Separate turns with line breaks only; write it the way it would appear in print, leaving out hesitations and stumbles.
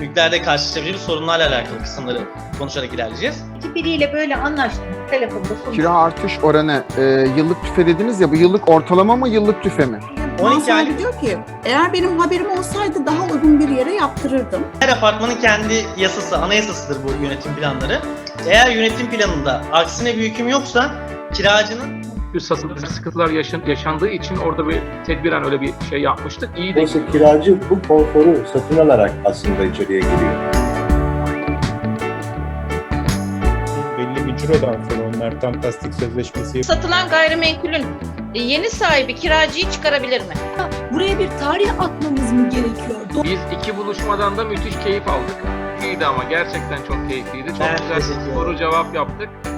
büyüklerde karşılaşabileceğimiz sorunlarla alakalı kısımları konuşarak ilerleyeceğiz.
Biriyle böyle anlaştım. Telefonda konuştum.
Kira artış oranı yıllık tüfe dediniz ya, bu yıllık ortalama mı yıllık tüfe mi?
12
Mansur
aylık
abi diyor ki eğer benim haberim olsaydı daha uygun bir yere yaptırırdım.
her apartmanın kendi yasası, anayasasıdır bu yönetim planları. Eğer yönetim planında aksine bir hüküm yoksa kiracının
satılık sıkıntılar yaşandığı için orada bir tedbiren öyle bir şey yapmıştık. İyi de
Oysa kiracı bu konforu satın alarak aslında içeriye giriyor.
Belli bir cirodan sonra onlar tam tasdik sözleşmesi
Satılan gayrimenkulün yeni sahibi kiracıyı çıkarabilir mi?
Buraya bir tarih atmamız mı gerekiyor?
biz iki buluşmadan da müthiş keyif aldık. İyiydi ama gerçekten çok keyifliydi. Çok
Evet,
güzel
teşekkür ederim.
soru cevap yaptık.